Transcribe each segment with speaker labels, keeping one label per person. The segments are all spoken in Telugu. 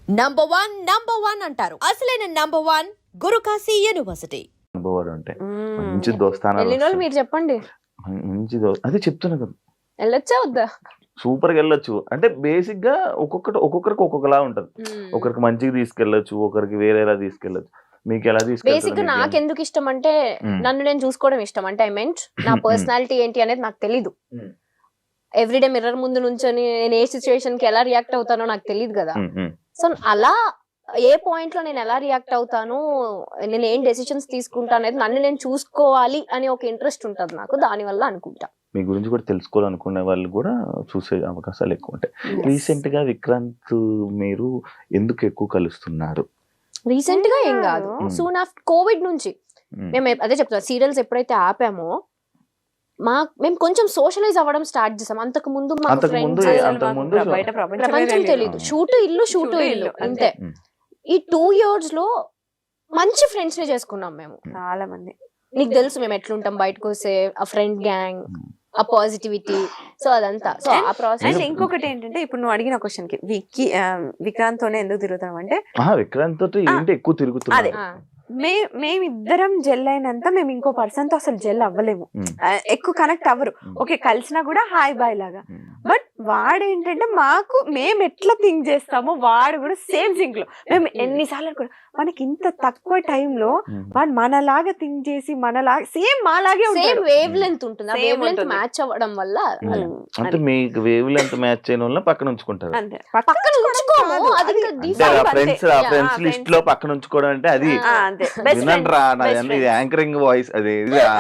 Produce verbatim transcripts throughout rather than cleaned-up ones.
Speaker 1: నంబర్ వన్ నంబర్ వన్ అంటారు. అసలైన నంబర్ వన్ గురుకాశీ యూనివర్సిటీ.
Speaker 2: అనుభవాలు ఉంటాయి, మంచి దోస్తానాలు
Speaker 3: వెళ్ళిన వాళ్ళు
Speaker 2: వస్తాయి.
Speaker 3: మీరు చెప్పండి,
Speaker 2: మంచి దో అదే చెప్తున్నా కదా,
Speaker 3: వెళ్ళొచ్చా వద్దా?
Speaker 2: సూపర్ గా వెళ్ళొచ్చు. అంటే బేసిక్ గా ఒక్కొక్కటి ఒక్కొక్కరికి ఒక్కొక్కలా ఉంటది. ఒకరికి మంచిగా తీసుకెళ్లొచ్చు, ఒకరికి వేరేలా తీసుకెళ్లొచ్చు. మీకు ఎలా
Speaker 3: బేసిక్ గా
Speaker 2: తీసుకెళ్తారు?
Speaker 3: నాకు ఎందుకు ఇష్టం అంటే
Speaker 2: మ్మ్.
Speaker 3: నన్ను నేను చూసుకోవడం ఇష్టం. అంటే ఐ మెంట్ నా పర్సనాలిటీ ఏంటి అనేది నాకు తెలీదు.
Speaker 2: మ్మ్.
Speaker 3: ఎవ్రీడే మిర్రర్ ముందు నుంచొని నేను ఏ సిచ్యువేషన్ కి ఎలా రియాక్ట్ అవుతానో నాకు తెలియదు కదా. సో అలా ఏ పాయింట్ లో నేను ఎలా రియాక్ట్ అవుతాను, నేను ఏం డెసిషన్స్ తీసుకుంటా అనేది నన్ను నేను చూసుకోవాలి అని ఒక ఇంట్రెస్ట్ ఉంటుంది నాకు. దాని వల్ల అనుకుంటా
Speaker 2: మీ గురించి కూడా తెలుసుకోవాలనుకునే వాళ్ళు కూడా చూసే అవకాశాలు ఎక్కువ ఉంటాయి. రీసెంట్ గా విక్రాంత్ మీరు ఎందుకు ఎక్కువ కలుస్తున్నారు?
Speaker 3: రీసెంట్ గా ఏం కాదు, సూన్ ఆఫ్టర్ కోవిడ్ నుంచి
Speaker 2: మ్మ్.
Speaker 3: మేము ఎప్- అదే చెప్తాం, సీరియల్స్ ఎప్పుడైతే ఆపామో మా మేము కొంచెం సోషలైజ్ అవ్వడం స్టార్ట్ చేసాం. అంతకు ముందు మాకు
Speaker 2: అంతకు ముందు
Speaker 3: friends,
Speaker 2: అంతకు ముందు
Speaker 4: బయట ప్రపంచమే
Speaker 3: ప్రపంచం
Speaker 4: తెలియదు.
Speaker 3: తెలీదు. షూటు ఇల్లు షూటు
Speaker 4: షూటు
Speaker 3: ఇల్లు
Speaker 4: ఇల్లు,
Speaker 3: అంతే.
Speaker 2: మ్మ్.
Speaker 3: ఈ టూ ఇయర్స్ లో మంచి ఫ్రెండ్స్ ని చేసుకున్నాం మేము.
Speaker 4: చాలా మంది
Speaker 3: నీకు తెలుసు మేము ఎట్లుంటాం బయటకు వస్తే, ఆ ఫ్రెండ్ గ్యాంగ్, ఆ పాజిటివిటీ, సో అదంతా. సో ఆ
Speaker 4: అండ్
Speaker 3: ప్రాసెస్
Speaker 4: ఇంకొకటి ఏంటంటే, ఇప్పుడు నువ్వు అడిగిన క్వశ్చన్ కి విక్కీ ఆ, విక్రాంత్ తోనే ఎందుకు తిరుగుతాం అంటే,
Speaker 2: ఆహా, విక్రాంత్ తోటి ఏంటి ఎక్కువ తిరుగుతున్నారు?
Speaker 4: మే మేమిద్దరం జెల్ అయినంత మేము ఇంకో పర్సన్ తో అసలు జెల్ అవ్వలేము.
Speaker 2: మ్మ్.
Speaker 4: ఆ, ఎక్కువ కనెక్ట్ అవ్వరు.
Speaker 2: మ్మ్.
Speaker 4: ఓకే, కలిసినా కూడా హాయ్ బాయ్ లాగా.
Speaker 2: మ్మ్.
Speaker 4: బట్ వాడు ఏంటంటే, మాకు మేము ఎట్లా థింక్ చేస్తామో వాడు కూడా సేమ్ థింక్ లో. మేము ఎన్నిసార్లు అనుకో మనకి ఇంత తక్కువ టైంలో
Speaker 2: మ్మ్.
Speaker 4: వాడు మనలాగా థింక్ చేసి మనలాగా సేమ్ మాలాగే
Speaker 3: సేమ్
Speaker 4: ఉంటాడు.
Speaker 3: వేవ్ లెంత్ ఉంటుంది. ఆ
Speaker 4: Same
Speaker 3: వేవ్ లెంత్
Speaker 4: ఉంటుంది.
Speaker 3: మ్యాచ్ అవ్వడం వల్ల
Speaker 2: మ్మ్.
Speaker 3: అలా.
Speaker 2: అంటే మీకు వేవ్ లెంత్ మ్యాచ్ చేయడం వల్ల పక్కన ఉంచుకుంటారు.
Speaker 4: అంతే.
Speaker 3: పక్కన ఉంచుకోము,
Speaker 4: కాదు,
Speaker 3: అది
Speaker 4: అది
Speaker 3: ఇంకా
Speaker 2: అంటే
Speaker 3: default.
Speaker 2: ఆ ఫ్రెండ్స్ ఆ
Speaker 4: Yeah,
Speaker 2: ఫ్రెండ్స్
Speaker 4: ఆ
Speaker 2: లిస్ట్
Speaker 4: friends.
Speaker 2: లో పక్కన ఉంచుకోవడం అంటే అది
Speaker 4: ఆ, అంతే. Best
Speaker 2: వినండి
Speaker 4: friends.
Speaker 2: రా,
Speaker 4: Best
Speaker 2: నాది
Speaker 4: friends.
Speaker 2: యాంకరింగ్ వాయిస్ అది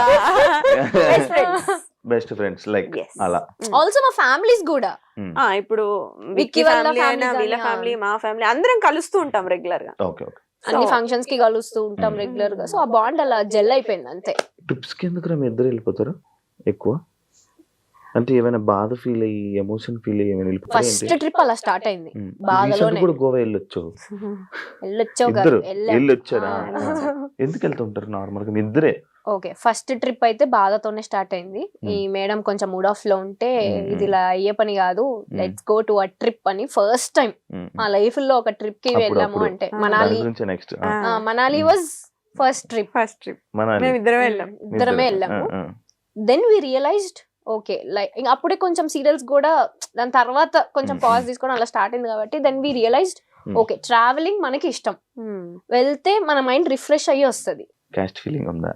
Speaker 4: Best friends.
Speaker 2: Best friends like
Speaker 4: Yes.
Speaker 2: అలా.
Speaker 3: ఆల్సో మా ఫ్యామిలీస్ కూడా
Speaker 2: మ్మ్.
Speaker 4: ఆ, ఇప్పుడు
Speaker 3: విక్కీ
Speaker 4: విక్కీ
Speaker 3: వాళ్ళ
Speaker 4: ఫ్యామిలీ
Speaker 3: family
Speaker 4: అయినా వీళ్ళ
Speaker 3: కానీ,
Speaker 4: ఫ్యామిలీ మా ఫ్యామిలీ అందరం కలుస్తూ ఉంటాం రెగ్యులర్ గా.
Speaker 2: Okay okay.
Speaker 3: అన్ని
Speaker 4: So-
Speaker 3: ఫంక్షన్స్ కి కలుస్తూ ఉంటాం
Speaker 2: మ్మ్.
Speaker 3: రెగ్యులర్ గా. సో ఆ బాండ్ అలా జెల్ అయిపోయింది అంతే.
Speaker 2: ట్రిప్స్ కి ఎందుకు మీ ఇద్దరు వెళ్ళిపోతారు ఎక్కువ? అంటే ఏమైనా బాధ ఫీల్ అయ్యి ఎమోషన్ ఫీల్ అయ్యి ఏమైనా వెళ్ళిపోతారు
Speaker 3: ఫస్ట్ ట్రిప్ అలా స్టార్ట్ అయింది.
Speaker 2: రీసెంట్
Speaker 3: బాధలోనే
Speaker 2: కూడా గోవా వెళ్ళొచ్చు
Speaker 3: వెళ్ళొచ్చావు
Speaker 2: ఇద్దరు
Speaker 3: కదా, వెళ్ళాం.
Speaker 2: వెళ్ళొచ్చారా?
Speaker 3: ఆ.
Speaker 2: ఎందుకు వెళ్తుంటారు నార్మల్ గా మీ ఇద్దరే?
Speaker 3: ఓకే, ఫస్ట్ ట్రిప్ అయితే బాధతోనే స్టార్ట్ అయింది. ఈ మేడం కొంచెం మూడ్ ఆఫ్ లో ఉంటే
Speaker 2: మ్మ్.
Speaker 3: ఇది ఇలా అయ్యే పని కాదు, let's go to a trip అని ఫస్ట్ టైం
Speaker 2: మ్మ్.
Speaker 3: మా లైఫ్ లో ఒక ట్రిప్ కి
Speaker 2: అప్పుడు-
Speaker 3: వెళ్ళాము.
Speaker 2: అప్పుడు.
Speaker 3: అంటే
Speaker 4: ఆ.
Speaker 3: మనాలి.
Speaker 2: దాని గురించి నెక్స్ట్
Speaker 4: ఆ.
Speaker 3: ఆ, మనాలి
Speaker 2: మ్మ్.
Speaker 3: Was first trip.
Speaker 4: First trip
Speaker 2: మన
Speaker 4: మేము ఇద్దరం వెళ్ళాం.
Speaker 3: ఇద్దరమే వెళ్ళాము. Then we realized okay, like ఇంకా అప్పుడే కొంచెం సీరియల్స్ కూడా దాని తర్వాత కొంచెం
Speaker 2: మ్మ్.
Speaker 3: పాజ్ తీసుకోవడం అలా స్టార్ట్ అయింది కాబట్టి దెన్ వి రియలైజ్డ్
Speaker 2: మ్మ్.
Speaker 3: ఓకే, ట్రావెలింగ్ మనకి ఇష్టం, వెళ్తే మన మైండ్ రిఫ్రెష్ అయ్యి వస్తుంది.
Speaker 2: క్యాస్ట్ ఫీలింగ్ ఉందా?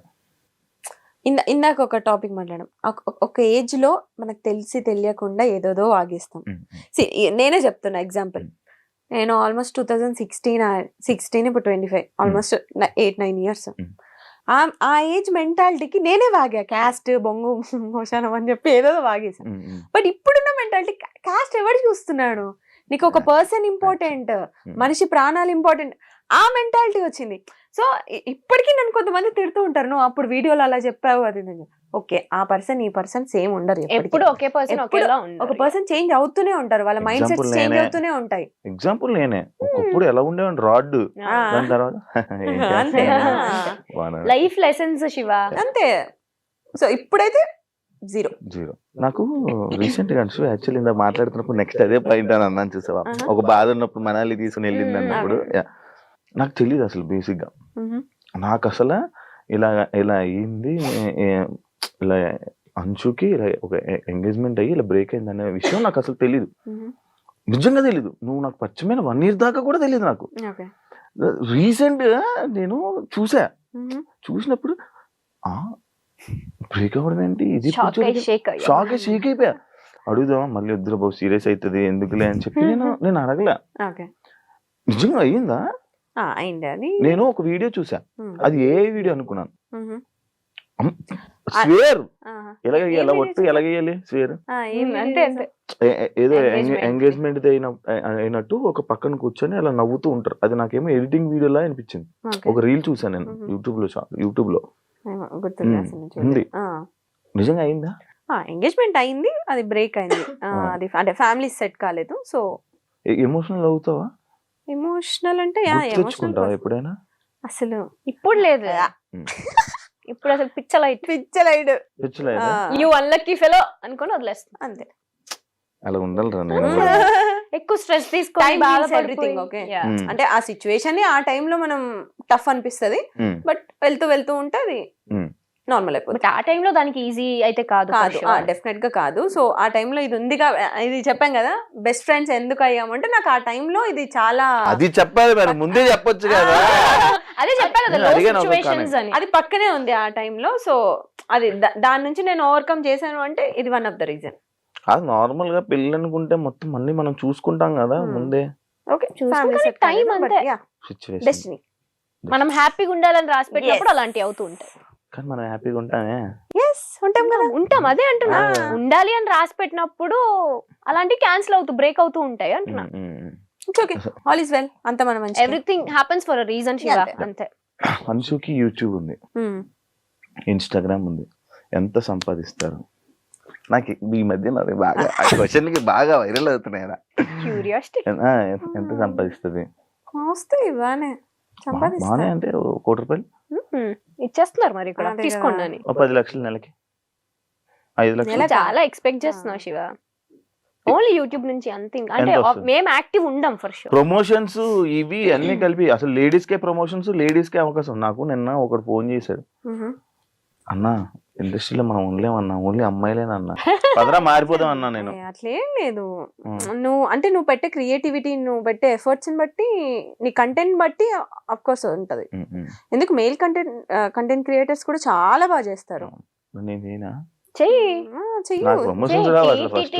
Speaker 4: ఇందా ఇందాక ఒక టాపిక్ మాట్లాడాం. ఒక- ఒక ఏజ్ లో మనకు తెలిసి తెలియకుండా ఏదోదో వాగేస్తాం.
Speaker 2: మ్మ్.
Speaker 4: See, ఈ- నేనే చెప్తున్నా ఎగ్జాంపుల్. నేను almost two thousand sixteen sixteen ఇప్పుడు twenty five almost eight nine years.
Speaker 2: మ్మ్.
Speaker 4: ఆ ఏజ్ మెంటాలిటీకి నేనే వాగా, క్యాస్ట్ బొంగు మోషానం అని చెప్పి ఏదో వాగేసాను.
Speaker 2: మ్మ్. మ్మ్.
Speaker 4: బట్ ఇప్పుడున్న మెంటాలిటీ క్యాస్ట్ ఎవరు చూస్తున్నాడు, నీకు ఒక పర్సన్ ఇంపార్టెంట్, మనిషి ప్రాణాలు ఇంపార్టెంట్, ఆ మెంటాలిటీ వచ్చింది. సో ఇప్పటికీ నన్ను కొంతమంది తిడుతూ ఉంటారు, నువ్వు అప్పుడు వీడియోలో అలా చెప్పావు అది ఇది అని. ఓకే, ఆ పర్సన్ ఈ పర్సన్ సేమ్ ఉండరు ఎప్పటికీ.
Speaker 3: ఎప్పుడు ఒకే పర్సన్
Speaker 4: ఎప్పుడు
Speaker 3: ఒకేలా
Speaker 4: ఒక
Speaker 3: ఉండరు.
Speaker 4: పర్సన్ చేంజ్ అవుతూనే ఉంటారు, వాళ్ళ మైండ్
Speaker 2: Example
Speaker 4: సెట్స్ చేంజ్
Speaker 2: నేనే.
Speaker 4: అవుతూనే ఉంటాయి.
Speaker 2: ఎగ్జాంపుల్ నేనే ఒకప్పుడు ఎలా ఉండేవాడిని రాడ్,
Speaker 4: ఆ.
Speaker 2: దాని తర్వాత ఏం
Speaker 4: అంతే.
Speaker 2: చేస్తాను? వాన-
Speaker 3: లైఫ్ లెసన్స్ శివ.
Speaker 4: అంతే. సో ఇప్పుడైతే జీరో.
Speaker 2: జీరో. నాకు రీసెంట్ గా యాక్చువల్లీ ఇందా మాట్లాడుతున్నప్పుడు నెక్స్ట్ అదే పాయింట్ అని అన్నాను చూసావా,
Speaker 4: ఆహా.
Speaker 2: ఒక బాధ ఉన్నప్పుడు మనాలి తీసుకుని వెళ్ళింది
Speaker 3: మ్మ్.
Speaker 2: అన్నప్పుడు yeah. నాకు తెలియదు అసలు బేసిక్ గా, నాకు అసలు ఇలా ఇలా అయ్యింది, ఏ- ఇలా అంచుకి ఇలా ఒక ఎంగేజ్మెంట్ అయ్యి ఇలా బ్రేక్ అయింది అనే విషయం నాకు అసలు తెలియదు, నిజంగా తెలీదు. నువ్వు నాకు పరిచయమైన వన్ ఇయర్ దాకా కూడా తెలియదు నాకు.
Speaker 4: ఓకే.
Speaker 2: రీసెంట్ గా నేను చూసా, చూసినప్పుడు ఆ బ్రేక్ అవ్వడం ఏంటి ఇది,
Speaker 3: షాక్ అయ్యి షేక్
Speaker 2: షాక్ షేక్ అయిపోయా. అడుగుదామా మళ్ళీ వద్దురా బాబు సీరియస్ అవుతుంది ఎందుకులే అని చెప్పి నేను నేను అడగలే.
Speaker 4: ఓకే.
Speaker 2: నిజంగా అయ్యిందా?
Speaker 4: అయింది అది.
Speaker 2: నేను ఒక వీడియో చూసా,
Speaker 4: మ్మ్.
Speaker 2: అది ఏ వీడియో అనుకున్నాను.
Speaker 4: మ్మ్.
Speaker 2: స్వేర్
Speaker 4: ఆహా.
Speaker 2: ఎలాగ
Speaker 4: ఏ
Speaker 2: ఎలా
Speaker 4: video
Speaker 2: ఒట్టు ఎలాగేయాలి స్వేర్
Speaker 4: ఆ, ఏం
Speaker 3: అంతే అంతే.
Speaker 2: ఏ- ఏ- ఏదో
Speaker 3: Engagement.
Speaker 2: ఎంగేజ్మెంట్ అయిన అయినట్టు ఒక పక్కన కూర్చొని అలా నవ్వుతూ ఉంటారు. అది నాకేమో ఎడిటింగ్ వీడియోలా అనిపించింది.
Speaker 4: ఓకే.
Speaker 2: ఒక రీల్ చూసాను నేను
Speaker 4: మ్మ్.
Speaker 2: యూట్యూబ్ లో యూట్యూబ్ లో
Speaker 4: ఏమో గుర్తుంది
Speaker 2: మ్మ్.
Speaker 4: అసలు నేను
Speaker 2: ఉంది.
Speaker 4: చూడలేదు. ఆ.
Speaker 2: నిజంగా అయిందా?
Speaker 4: ఎంగేజ్మెంట్ అయింది, అది బ్రేక్ అయింది. ఆ,
Speaker 2: ఆ.
Speaker 4: అది అంటే ఫ్యామిలీ సెట్ కాలేదు. సో
Speaker 2: ఎమోషనల్ అవుతావా?
Speaker 4: ఎమోషనల్ అంటే యా,
Speaker 2: గుర్తు
Speaker 4: ఎమోషనల్
Speaker 2: తెచ్చుకుంటావా ఎప్పుడైనా?
Speaker 4: అసలు
Speaker 3: ఇప్పుడు లేదు,
Speaker 2: మ్మ్.
Speaker 3: ఇప్పుడు అసలు పిచ్చలైట్.
Speaker 4: పిచ్చలైడ్.
Speaker 2: తెచ్చలేదా?
Speaker 3: యూ అన్లక్కీ ఫెలో అనుకొని వదిలేస్తాం
Speaker 4: అంతే.
Speaker 2: అలా ఉండాలిరా నేను
Speaker 4: మ్మ్.
Speaker 2: కూడా.
Speaker 3: ఎక్కువ స్ట్రెస్ తీసుకొని
Speaker 4: Time means
Speaker 3: బాధపడిపోయి-
Speaker 4: everything, okay?
Speaker 3: Yeah.
Speaker 2: Mm.
Speaker 4: అంటే ఆ సిచ్యువేషన్ ని ఆ time లో మనం టఫ్ అనిపిస్తది,
Speaker 2: Mm.
Speaker 4: బట్ వెళ్తూ వెళ్తూ ఉంటే అది
Speaker 2: Mm.
Speaker 4: నార్మల్ అయిపోతుంది.
Speaker 3: బట్ ఆ టైంలో దానికి ఈజీ అయితే కాదు for
Speaker 4: కాదు,
Speaker 3: sure.
Speaker 4: డెఫినెట్ గా కాదు. సో ఆ time లో ఇది ఉంది కా ఇది చెప్పాం కదా, బెస్ట్ ఫ్రెండ్స్ ఎందుకు అయ్యామంటే నాకు ఆ time లో ఇది చాలా
Speaker 2: అది చెప్పాలి మరి, ముందే చెప్పొచ్చు కదా.
Speaker 3: అదే చెప్పా కదా
Speaker 2: నేను
Speaker 3: లో
Speaker 2: అడిగాను ఒక
Speaker 3: సిచ్యువేషన్స్ అని.
Speaker 4: అది పక్కనే ఉంది ఆ time లో. సో అది దా- దాని నుంచి నేను ఓవర్కమ్ చేశాను అంటే ఇది వన్ ఆఫ్ ద రీజన్.
Speaker 2: అది నార్మల్ గా పెళ్ళి అనుకుంటే మొత్తం అన్ని మనం చూసుకుంటాం కదా
Speaker 4: Hmm.
Speaker 2: ముందే.
Speaker 4: ఓకే,
Speaker 3: చూసుకుంటే time అంతే.
Speaker 2: Situation
Speaker 4: destiny.
Speaker 3: మనం హ్యాపీగా ఉండాలని రాసి పెట్టినప్పుడు అలాంటివి అవుతూ ఉంటాయి.
Speaker 2: కానీ మనం హ్యాపీగా ఉంటామే.
Speaker 4: ఎస్, ఉంటాం కదా.
Speaker 3: ఉంటాం, అదే అంటున్నా.
Speaker 2: ఆ.
Speaker 3: ఉండాలి అని రాసి పెట్టినప్పుడు అలాంటివి క్యాన్సిల్ అవుతూ బ్రేక్ అవుతూ ఉంటాయి అంటున్నా.
Speaker 2: Mm, mm, mm.
Speaker 4: It's okay, all is well, అంత మన మంచి.
Speaker 3: Everything happens for a reason Shiva,
Speaker 4: అంతే.
Speaker 3: అంతే.
Speaker 2: అన్షుకి యూట్యూబ్ ఉంది, ఇన్స్టాగ్రామ్ ఉంది, ఎంత సంపాదిస్తారు? నాకు ఈ మధ్య నాది బాగా ఆ క్వశ్చన్ కి బాగా వైరల్ అవుతున్నాయి కదా.
Speaker 3: క్యూరియాసిటీ.
Speaker 2: ఆ, ఎంత- ఎంత సంపాదిస్తుంది?
Speaker 4: వస్తాయి బానే,
Speaker 2: బానే
Speaker 4: సంపాదిస్తా.
Speaker 2: అంటే ఓ కోటి రూపాయలు,
Speaker 3: ఇచ్చేస్తున్నారు మరి ఇక్కడ,
Speaker 4: అదే
Speaker 3: తీసుకోండి
Speaker 4: కదా.
Speaker 3: అని.
Speaker 2: ఓ పది లక్షలు నెలకి, ఐదు లక్షలు.
Speaker 4: నెలకా?
Speaker 3: చాలా ఎక్స్పెక్ట్ చేస్తున్నా శివ. ఓన్లీ యూట్యూబ్ నుంచి అంతే. ఇంకా- అంటే
Speaker 2: ఎంత వస్తుంది?
Speaker 3: మేము యాక్టివ్ ఉండం ఫర్ షూర్.
Speaker 2: ప్రమోషన్స్ ఇవి అన్ని కలిపి అసలు లేడీస్ కే ప్రమోషన్స్, లేడీస్ కే అవకాశం. నాకు నిన్న ఒకడు ఫోన్ చేశాడు,
Speaker 4: మ్మ్.
Speaker 2: అన్నా ఇండస్ట్రీలో మనం ఉండలేమన్నా, ఓన్లీ అమ్మాయిలేనన్నా, పదరా మారిపోదాం అన్నా నేను.
Speaker 4: ఏ, అట్లేం లేదు.
Speaker 2: ఉమ్.
Speaker 4: నువ్వు అంటే నువ్వు పెట్టే క్రియేటివిటీ, నువ్వు పెట్టే ఎఫర్ట్స్ బట్టి, నీ కంటెంట్ బట్టి అఫ్ కోర్స్ ఉంటది.
Speaker 2: ఉమ్, ఉమ్.
Speaker 4: ఎందుకు మెయిల్ కంటెంట్ కంటెంట్ క్రియేటర్స్ కూడా చాలా బాగా చేస్తారు.
Speaker 2: నేను చేయనా?
Speaker 3: చెయ్యి.
Speaker 4: ఆ, చెయ్యు.
Speaker 2: నాకు ప్రమోషన్స్ రావాలి ఫస్ట్.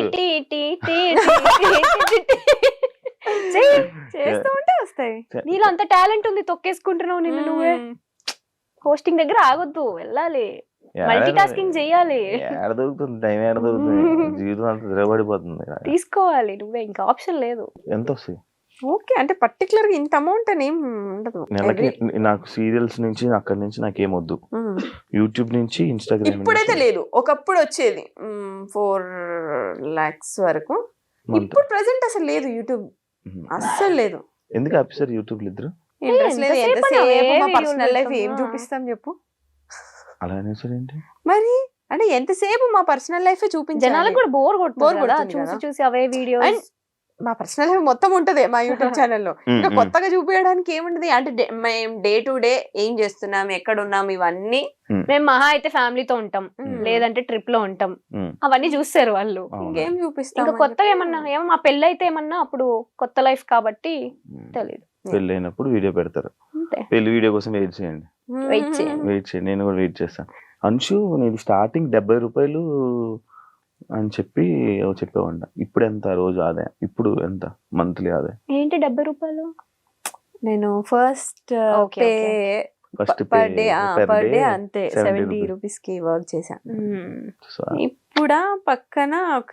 Speaker 3: చెయ్యి.
Speaker 4: చేస్తూ ఉంటే వస్తాయి.
Speaker 3: నీలో అంత టాలెంట్ ఉంది, తొక్కేసుకుంటున్నావు నిన్ను నువ్వే. హోస్టింగ్ దగ్గర ఆగొద్దు, వెళ్ళాలి, మల్టీ టాస్కింగ్ చెయ్యాలి,
Speaker 2: ఏడ దొరుకుతుంది టైం, ఏడ దొరుకుతుంది, జీవితం అంతా తిరగబడిపోతుంది.
Speaker 3: తీసుకోవాలి నువ్వే, ఇంకా ఆప్షన్ లేదు.
Speaker 2: ఎంత వస్తాయి
Speaker 4: ఓకే, అంటే పర్టికులర్ గా ఇంత అమౌంట్ అని ఏం ఉండదు.
Speaker 2: నెలకి?
Speaker 4: Every-
Speaker 2: నాకు సీరియల్స్ నుంచి అక్కడి నుంచి నాకేం వద్దు,
Speaker 4: మ్మ్.
Speaker 2: యూట్యూబ్ నుంచి ఇన్స్టాగ్రామ్
Speaker 4: ఇప్పుడైతే లేదు, ఒకప్పుడు వచ్చేది ఫోర్ లాక్స్ వరకు. ఇప్పుడు ప్రెసెంట్ అసలు లేదు యూట్యూబ్, అస్సలు లేదు.
Speaker 2: ఎందుకు ఆపిస్తారు యూట్యూబ్ ఇద్దరు?
Speaker 4: ఇంట్రెస్ట్ లేదు.
Speaker 3: ఎంతసేపు
Speaker 4: ఎంతసేపు
Speaker 3: అవే
Speaker 4: మా
Speaker 3: వీడియోలు
Speaker 4: పర్సనల్ లైఫ్ ఏం
Speaker 3: పెడతామా?
Speaker 4: చూపిస్తాం చెప్పు.
Speaker 2: అలా అనేసారు ఏంటి?
Speaker 4: మరి అంటే ఎంతసేపు మా పర్సనల్ లైఫ్ చూపించాలి.
Speaker 3: జనాలకు కూడా బోర్
Speaker 4: Bore
Speaker 3: కొడుతుంది కదా,
Speaker 4: కొడుతుంది
Speaker 3: చూసి
Speaker 4: కదా.
Speaker 3: చూసి అవే వీడియోస్.
Speaker 4: And మా పర్సనల్ లైఫ్ మొత్తం ఉంటది మా యూట్యూబ్ ఛానల్లో.
Speaker 2: ఉమ్,
Speaker 4: ఇంకా
Speaker 2: ఉమ్.
Speaker 4: కొత్తగా చూపించడానికి ఏముంటది అంటే డే- మేము డే టు డే ఏం చేస్తున్నాం, ఎక్కడ ఉన్నాం, ఇవన్నీ.
Speaker 3: మేము మహా అయితే ఫ్యామిలీతో ఉంటాం,
Speaker 4: ఉమ్.
Speaker 3: లేదంటే ట్రిప్ లో ఉంటాం,
Speaker 2: ఉమ్,
Speaker 3: అవన్నీ చూస్తారు వాళ్ళు.
Speaker 2: అవునా?
Speaker 4: ఇంకేం చూపిస్తాం.
Speaker 3: ఇంకా కొత్తగా ఏమన్నా ఏమో మా పెళ్ళి అయితే ఏమన్నా అప్పుడు కొత్త లైఫ్ కాబట్టి
Speaker 2: ఉమ్.
Speaker 3: తెలియదు.
Speaker 2: పెళ్ళి అయినప్పుడు వీడియో పెడతారు,
Speaker 3: అంతే.
Speaker 2: పెళ్లి వీడియో కోసం వెయిట్ చేయండి,
Speaker 3: వెయిట్ చేయండి.
Speaker 2: వెయిట్ చేయండి, నేను కూడా వెయిట్ చేస్తాను. అంశు నేను స్టార్టింగ్ డెబ్బై రూపాయలు అని చెప్పి చెప్పేవాడిన, ఇప్పుడు ఎంత రోజు ఆదాయం, ఇప్పుడు ఎంత మంత్లీ ఆదాయం?
Speaker 3: ఏంటి డెబ్బై రూపాయలు?
Speaker 4: నేను first
Speaker 3: Okay,
Speaker 4: pay
Speaker 2: first
Speaker 4: per day per day అంతే సెవెంటీ రూపీస్ కి వర్క్ చేశాను. ఇప్పుడు పక్కన ఒక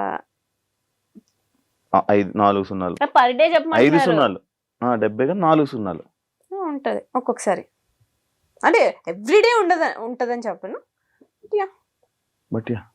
Speaker 2: ఐదు నాలుగు సున్నాలు,
Speaker 3: పర్ డే
Speaker 2: ఐదు
Speaker 3: చెప్పమంటున్నారు.
Speaker 2: సున్నాలు, ఆ, డెబ్బై గా నాలుగు సున్నాలు.
Speaker 4: ఉంటది ఒక్కొక్కసారి, అంటే ఎవ్రీడే ఉండదు ఉంటదని చెప్పను.
Speaker 2: But yeah